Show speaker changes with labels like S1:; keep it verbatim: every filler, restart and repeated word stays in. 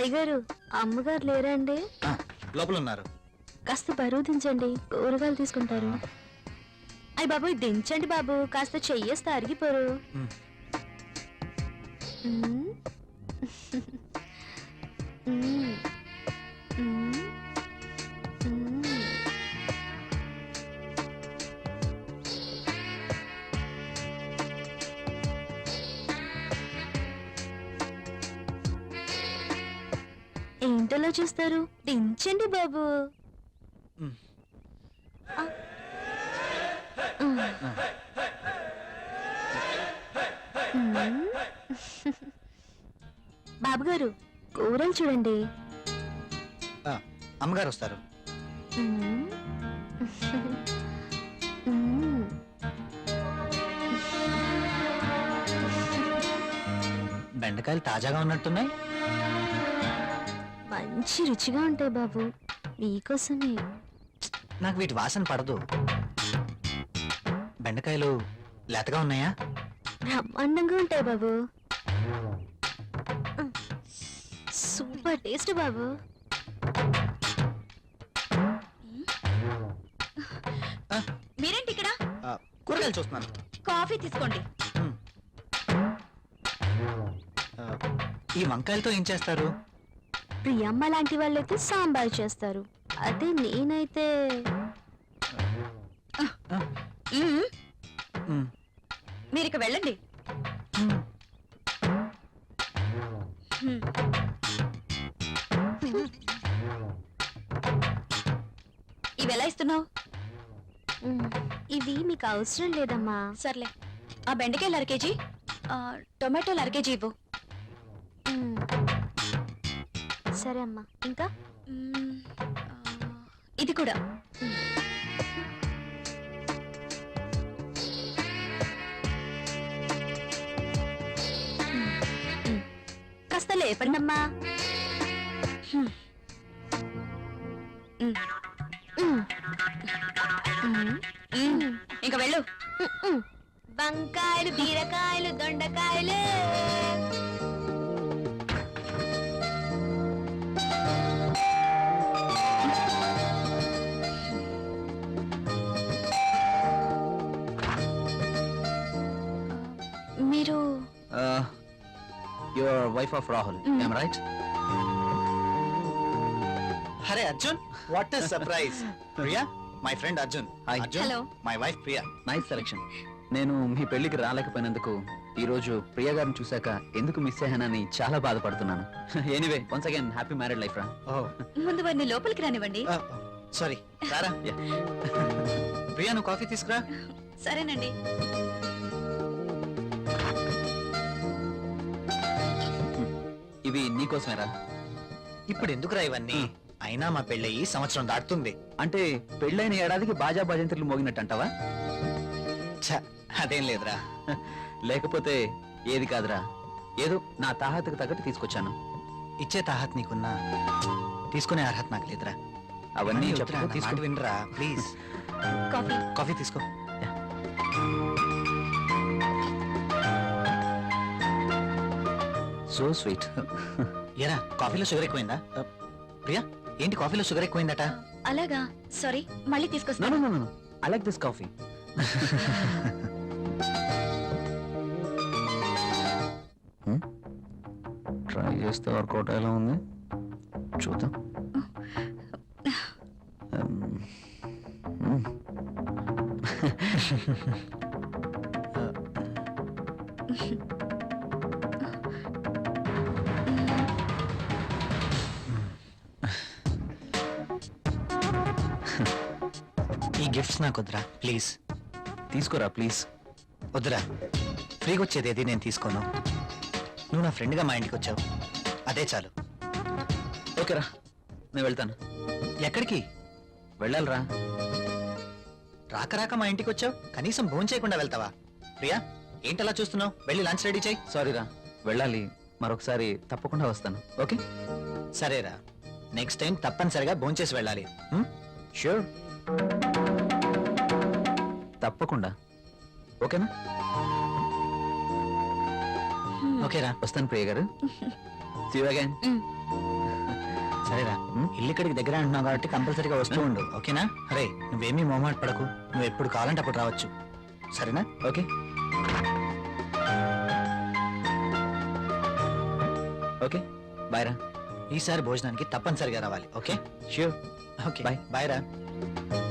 S1: అయ్య గారు అమ్మగారు లేరండి?
S2: లోపల ఉన్నారు.
S1: కాస్త బరువు దించండి, కూరగాయలు తీసుకుంటారు. అయ్య బాబు దించండి బాబు, కాస్త చెయ్యేస్తే అరిగిపోరు. ఏంటలా చూస్తారు? దించండి బాబు. బాబు గారు కూరలు చూడండి.
S2: అమ్మగారు వస్తారు. బెండకాయలు తాజాగా ఉన్నట్టున్నాయి.
S1: మంచి రుచిగా ఉంటాయి బాబు, మీకోసమే.
S2: నాకు వీటి వాసన పడదు. బెండకాయలు లేతగా ఉన్నాయా?
S1: బ్రహ్మాండంగా ఉంటాయి బాబు, సూపర్ టేస్ట్ బాబు.
S3: మీరేంటి ఇక్కడ?
S2: కూరగాయలు చూస్తున్నాను.
S3: కాఫీ తీసుకోండి.
S2: ఈ వంకాయలతో ఏం చేస్తారు?
S1: ప్రియమ్మ లాంటి వాళ్ళైతే సాంబార్ చేస్తారు, అదే నేనైతే
S3: మీరు ఇక వెళ్ళండి. ఇవి ఎలా ఇస్తున్నావు?
S1: ఇవి మీకు అవసరం లేదమ్మా.
S3: సర్లే, ఆ బెండకాయలు అర కేజీ, టొమాటోలు అర కేజీ ఇవ్వు.
S1: సరే అమ్మా. ఇంకా
S3: ఇది కూడా. కాస్త లేపండమ్మా. ఇంకా వెళ్ళు.
S1: వంకాయలు, బీరకాయలు, దొండకాయలు.
S3: మీరు
S2: your wife of Rahul, am I right? అరే Arjun, what a surprise. Priya, my friend Arjun. Hi Arjun.
S3: Hello.
S2: My wife Priya.
S4: Nice selection. నేను మీ పెళ్లికి రాలేకపోయినందుకు ఈ రోజు ప్రియా గారిని చూశాక ఎందుకు మిస్ అయ్యానని చాలా బాధపడుతున్నాను. Anyway, once again happy married life రా.
S3: ముందు వారిని లోపలికి రానివ్వండి.
S2: సారీ, రారా. ప్రియా, నువ్వు కాఫీ తీసుకురా.
S3: సరేనండి.
S4: ఇవి నీకోసమేరా.
S2: ఇప్పుడు ఎందుకురా ఇవన్నీ? అయినా మా పెళ్ళయి సంవత్సరం దాటుతుంది.
S4: అంటే పెళ్ళైన ఏడాదికి బాజా భజంత్రులు మోగినట్టు అంటావా?
S2: అదేం లేదురా.
S4: లేకపోతే ఏది కాదురా, ఏదో నా తాహతకు తగ్గట్టు తీసుకొచ్చాను.
S2: ఇచ్చే తాహత్ నీకున్నా, తీసుకునే అర్హత నాకు లేదురా.
S4: అవన్నీ
S2: తీసుకు వినరా ప్లీజ్.
S3: కాఫీ
S2: కాఫీ తీసుకో.
S4: So sweet.
S2: ఏరా, కాఫీలో షుగర్ ఎక్కువైందా? ప్రియా, ఏంటి కాఫీలో షుగర్ ఎక్కువైందట?
S3: అలాగా, సారీ, మళ్ళీ తీసుకొస్తాను.
S4: I like this coffee. Try చేస్తే వర్కౌట్ ఎలా ఉంది చూద్దాం.
S2: ఈ గిఫ్ట్స్ నాకు వద్దురా ప్లీజ్.
S4: తీసుకోరా ప్లీజ్.
S2: వద్దురా, ఫ్రీగా వచ్చేది ఏది నేను తీసుకోను. నువ్వు నా ఫ్రెండ్గా మా ఇంటికి వచ్చావు, అదే చాలు.
S4: ఓకేరా, నేను వెళ్తాను.
S2: ఎక్కడికి
S4: వెళ్ళాలిరా.
S2: రాక రాక మా ఇంటికి వచ్చావు, కనీసం భోజనం చేయకుండా వెళ్తావా? ప్రియా, ఏంటలా చూస్తున్నావు? వెళ్ళి లంచ్ రెడీ చేయి.
S4: సారీరా, వెళ్ళాలి. మరొకసారి తప్పకుండా వస్తాను. ఓకే
S2: సరేరా, నెక్స్ట్ టైం తప్పనిసరిగా భోజనం చేసి వెళ్ళాలి.
S4: ష్యూర్, తప్పకుండా. ఓకేనా?
S2: ఓకేరా,
S4: వస్తాను ప్రియ గారు. See you again.
S2: సరేరా
S4: ఉమ్.
S2: ఇల్లు ఇక్కడికి దగ్గర అంటున్నావు కాబట్టి కంపల్సరీగా వస్తూ ఉండు ఓకేనా అరే నువ్వేమీ మొహమాట పడకు నువ్వు ఎప్పుడు కావాలంటే అప్పుడు రావచ్చు సరేనా
S4: ఓకే ఓకే బాయ్ రా
S2: ఈసారి భోజనానికి తప్పనిసరిగా రావాలి okay
S4: sure
S2: okay
S4: Bye.
S2: Bye రా